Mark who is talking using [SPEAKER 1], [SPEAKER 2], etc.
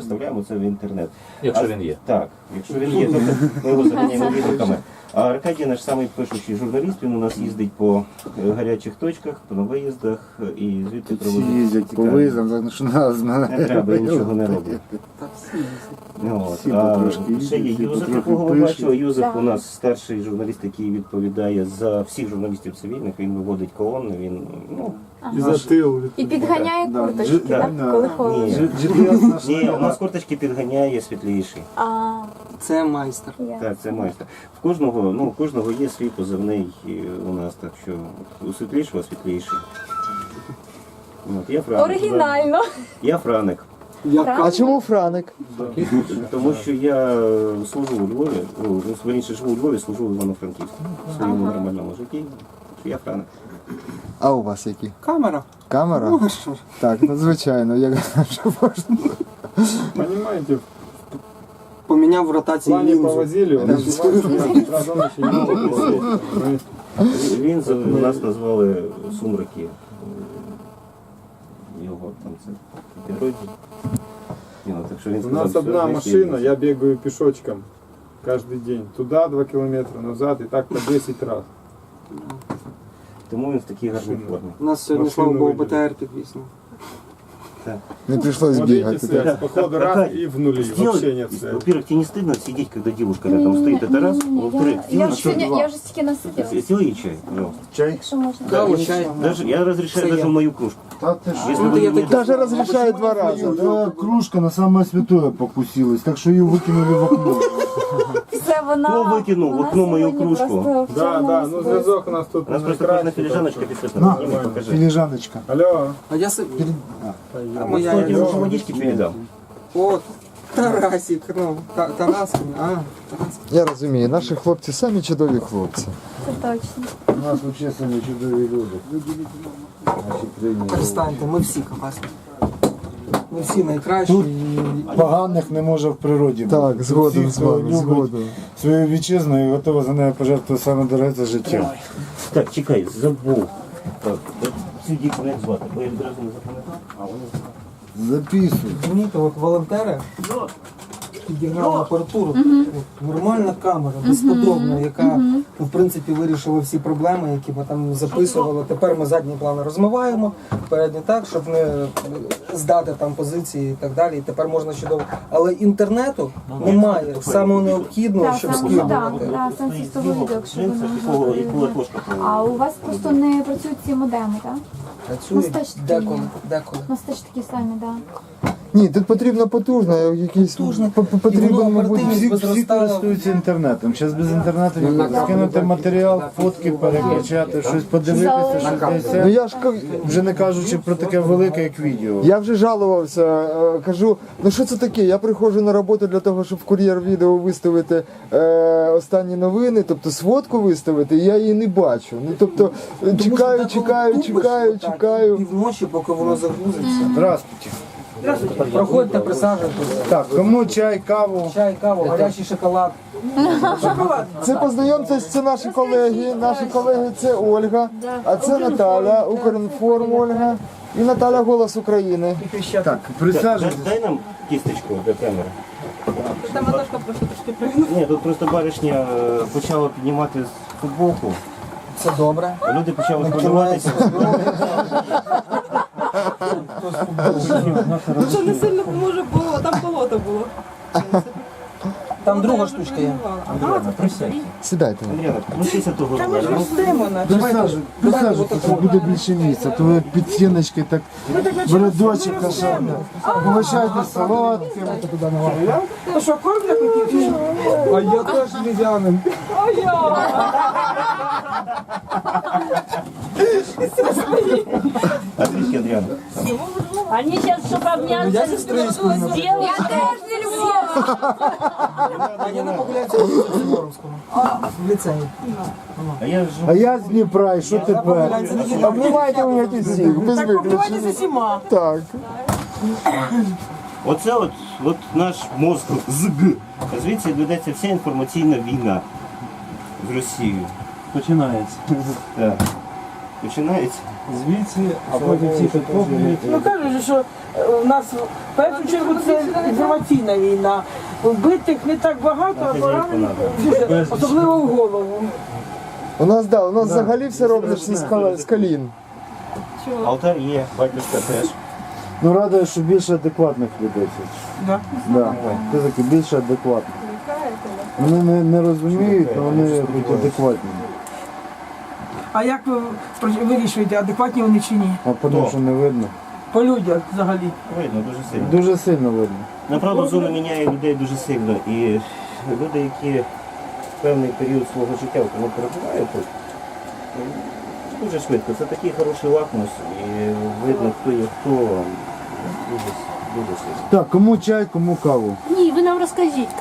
[SPEAKER 1] виставляємо це в інтернет.
[SPEAKER 2] Якщо він є.
[SPEAKER 1] Так, якщо він є, тобто ми його заганяємо відгуками. А Аркадій наш самий пишущий журналіст, він у нас їздить по гарячих точках, по виїздах і звідти
[SPEAKER 3] Всі
[SPEAKER 1] проводить.
[SPEAKER 3] їздять по
[SPEAKER 1] цікаві.
[SPEAKER 3] виїздам, тому що нас
[SPEAKER 1] Не треба, нічого не робить.
[SPEAKER 4] Та всі їздять.
[SPEAKER 1] От.
[SPEAKER 3] Всі
[SPEAKER 1] А
[SPEAKER 3] потрошки
[SPEAKER 1] ще є
[SPEAKER 3] їздять, всі
[SPEAKER 1] Юзеф,
[SPEAKER 3] потрохи
[SPEAKER 1] якого ви
[SPEAKER 3] пишуть.
[SPEAKER 1] бачили. Юзеф
[SPEAKER 5] Так.
[SPEAKER 1] у нас старший журналіст, який відповідає за всіх журналістів цивільних, він виводить колонни, він, ну,
[SPEAKER 6] І за тил.
[SPEAKER 5] І підганяє
[SPEAKER 3] Да.
[SPEAKER 5] курточки,
[SPEAKER 1] Да.
[SPEAKER 5] так?
[SPEAKER 3] Да.
[SPEAKER 5] Коли холодно.
[SPEAKER 1] ні,
[SPEAKER 3] GPS наш
[SPEAKER 1] ні, у нас курточки підганяє світліший.
[SPEAKER 5] А,
[SPEAKER 4] Це майстер.
[SPEAKER 5] я.
[SPEAKER 1] Так, це майстер. У кожного є свій позивний у нас, так що у світлішого світліший. От, я Франик.
[SPEAKER 5] Оригінально.
[SPEAKER 1] Я Франик.
[SPEAKER 6] А чому Франик?
[SPEAKER 1] Тому що я служу у Львові, верніше живу у Львові, служу в Івано-Франківську в своєму нормальному житті. Я Франик.
[SPEAKER 6] А у вас які?
[SPEAKER 4] Камера.
[SPEAKER 6] Камера?
[SPEAKER 4] Ну, що ж.
[SPEAKER 6] Так, надзвичайно, як що можна.
[SPEAKER 7] Понимаете, в
[SPEAKER 4] Поміняв в ротації
[SPEAKER 7] плане
[SPEAKER 4] лінзу.
[SPEAKER 7] повозили, он сразу он еще не мог посмотреть.
[SPEAKER 1] Він у нас назвали Сумраки. Його там це підрозділ. Так що він
[SPEAKER 7] У
[SPEAKER 1] сказав,
[SPEAKER 7] нас
[SPEAKER 1] що
[SPEAKER 7] одна
[SPEAKER 1] десь
[SPEAKER 7] машина,
[SPEAKER 1] є.
[SPEAKER 7] я бегаю пешочком каждый день. Туда 2 километра, назад и так по 10 раз.
[SPEAKER 1] Тому він в такій гарній формі.
[SPEAKER 4] У нас сьогодні,
[SPEAKER 7] Машину
[SPEAKER 4] слава Богу,
[SPEAKER 7] виділили.
[SPEAKER 4] БТР підвіснув.
[SPEAKER 6] Не прийшлось
[SPEAKER 7] Вот видите
[SPEAKER 6] бігати.
[SPEAKER 7] связь,
[SPEAKER 6] Так.
[SPEAKER 7] походу раз и в нули, вообще нет
[SPEAKER 1] Сделай,
[SPEAKER 7] связи.
[SPEAKER 1] во-первых, тебе не стыдно сидеть, когда девушка рядом стоит, это раз. Во-вторых,
[SPEAKER 5] Я вже сьогодні, я вже стільки насиділася.
[SPEAKER 1] сделай ей чай, пожалуйста.
[SPEAKER 3] чай.
[SPEAKER 5] Якщо можна.
[SPEAKER 4] Каву, чай.
[SPEAKER 1] Даже, я разрешаю
[SPEAKER 4] Все
[SPEAKER 1] даже
[SPEAKER 4] я.
[SPEAKER 1] в мою кружку.
[SPEAKER 3] Та ти що?
[SPEAKER 1] Если
[SPEAKER 4] Ну,
[SPEAKER 1] вы
[SPEAKER 4] я
[SPEAKER 1] не-
[SPEAKER 4] так-
[SPEAKER 6] Даже розрішає 2 рази.
[SPEAKER 3] Да, кружка на самое святое покусилась, так что ее выкинули в окно.
[SPEAKER 5] Все, вона...
[SPEAKER 1] Хто викинув в
[SPEAKER 5] вона
[SPEAKER 1] окно мою
[SPEAKER 5] сьогодні
[SPEAKER 1] кружку?
[SPEAKER 5] просто в
[SPEAKER 7] Да,
[SPEAKER 5] чорному
[SPEAKER 7] да, ну
[SPEAKER 5] списку.
[SPEAKER 7] зв'язок у нас тут
[SPEAKER 1] У нас просто
[SPEAKER 7] найкращий,
[SPEAKER 1] кожна филижаночка
[SPEAKER 7] так що-
[SPEAKER 1] підписана.
[SPEAKER 3] На,
[SPEAKER 1] Ні, покажи.
[SPEAKER 3] филижаночка.
[SPEAKER 7] Алло,
[SPEAKER 4] А я собі... А моя...
[SPEAKER 1] Сходи, лучше водички передам.
[SPEAKER 4] О, Тарасик, ну, Тарасик. А, Тарасик.
[SPEAKER 6] Я розумію, наші хлопці самі чудові хлопці.
[SPEAKER 5] Це точно.
[SPEAKER 3] У нас вообще самі чудові люди. Наші країни.
[SPEAKER 4] Перестаньте, ми всі класні. Ми всі найкращі.
[SPEAKER 3] Тут поганих не може в природі. бути.
[SPEAKER 6] Так,
[SPEAKER 3] Тут
[SPEAKER 6] згоден
[SPEAKER 3] всі,
[SPEAKER 6] з
[SPEAKER 3] хто
[SPEAKER 6] вами,
[SPEAKER 3] любить
[SPEAKER 6] згоден.
[SPEAKER 3] свою вітчизну і готова за нею пожертвувати саме дороге це життя.
[SPEAKER 1] Так, чекай, забув. Так, ці діти як звати, бо я відразу не запам'ятав. А вони
[SPEAKER 3] Записуй.
[SPEAKER 4] Розумієте, от волонтери підігнали апаратуру. От, нормальна камера, безподобна, яка в принципі вирішила всі проблеми, які ми там записували. Тепер ми задній план розмиваємо, передній так, щоб не здати там позиції і так далі. І тепер можна чудово. Але інтернету немає самого необхідного,
[SPEAKER 5] Так,
[SPEAKER 4] щоб
[SPEAKER 5] саме
[SPEAKER 4] скидувати.
[SPEAKER 5] так, так, сенс із того відео, якщо ви
[SPEAKER 1] Джинси,
[SPEAKER 5] не
[SPEAKER 1] якого
[SPEAKER 5] можете.
[SPEAKER 1] латошка.
[SPEAKER 5] А у вас просто не працюють ці модеми, так?
[SPEAKER 4] Працюють
[SPEAKER 5] Ну, стачки
[SPEAKER 4] деколи,
[SPEAKER 5] є.
[SPEAKER 4] деколи.
[SPEAKER 5] У нас теж такі самі, так.
[SPEAKER 6] Ні, тут потрібно потужно, якийсь
[SPEAKER 4] Потужно. І
[SPEAKER 6] потрібен,
[SPEAKER 4] воно
[SPEAKER 6] мабуть,
[SPEAKER 4] оперативність
[SPEAKER 3] Всі користуються інтернетом. Зараз без інтернету скинути матеріал, фотки перекачати, щось подивитися, щось
[SPEAKER 6] Ну
[SPEAKER 3] десь.
[SPEAKER 6] я ж
[SPEAKER 3] Вже не кажучи про таке велике, як відео.
[SPEAKER 6] я вже жалувався, кажу, ну що це таке? Я приходжу на роботу для того, щоб в кур'єр відео виставити останні новини, тобто сводку виставити, і я її не бачу. Ну тобто чекаю.
[SPEAKER 4] І вночі, поки воно загрузиться.
[SPEAKER 3] Здравствуйте.
[SPEAKER 4] Проходьте, присаджуйтесь.
[SPEAKER 3] Так, кому чай, каву?
[SPEAKER 4] Чай, каву, гарячий шоколад.
[SPEAKER 6] Це познайомтесь, це наші колеги. Наші колеги це Ольга, а це Наталя, Укрінформ Ольга і Наталя Голос України.
[SPEAKER 3] Так, присаджуйтесь.
[SPEAKER 1] Дай нам кісточку для камери. Ні, тут просто баришня почала піднімати футболку.
[SPEAKER 4] Це добре.
[SPEAKER 1] Люди почали хвилюватися.
[SPEAKER 8] Ну що не сильно поможе, бо там болото було.
[SPEAKER 4] Там друга штучка є.
[SPEAKER 6] Сідайте.
[SPEAKER 1] Андріана, ну сіся того розміру.
[SPEAKER 3] Присаджуйтесь, буде більше місця. То ви під стіночки так в рядочок кашати. Угощайтесь солодким.
[SPEAKER 8] То що, кормля хотів?
[SPEAKER 4] А я теж львів'янин.
[SPEAKER 1] А трішки, Андріана.
[SPEAKER 8] Они сейчас, чтобы обняться, сделают. Я тоже не люблю.
[SPEAKER 4] А я на популяції в Муромському. В ліцеї.
[SPEAKER 1] А я ж
[SPEAKER 3] А я з Дніпра, і що тепер?
[SPEAKER 6] Обнімайте мене тут всіх, без виключення.
[SPEAKER 8] зима.
[SPEAKER 6] Так.
[SPEAKER 1] Оце от наш мозк ЗГ. Звідси ведеться вся інформаційна війна з Росією.
[SPEAKER 7] починається.
[SPEAKER 1] Так. починається.
[SPEAKER 3] Звідси, а потім ці підкоплюють.
[SPEAKER 2] Ну кажуть, що у нас в першу чергу це інформаційна війна. Вбитих не так багато, а поранених дуже, особливо в голову.
[SPEAKER 6] У нас взагалі все робиться з колін.
[SPEAKER 1] Алтар є, батюшка теж.
[SPEAKER 3] Ну радує, що більше адекватних людей.
[SPEAKER 2] Да.
[SPEAKER 3] Да. Це таки більше адекватних. Вони не розуміють, але вони хоч адекватні.
[SPEAKER 2] А як ви вирішуєте, адекватні вони чи ні?
[SPEAKER 3] А тому що не видно.
[SPEAKER 2] По людях взагалі.
[SPEAKER 1] Видно, дуже сильно.
[SPEAKER 3] Дуже сильно видно.
[SPEAKER 1] Направду зона міняє людей дуже сильно. І люди, які певний період свого життя тому перебувають тут, дуже швидко. Це такий хороший лакмус, і видно, хто є хто, дуже сильно.
[SPEAKER 3] Так, кому чай, кому каву.
[SPEAKER 8] Ні, ви нам розкажіть,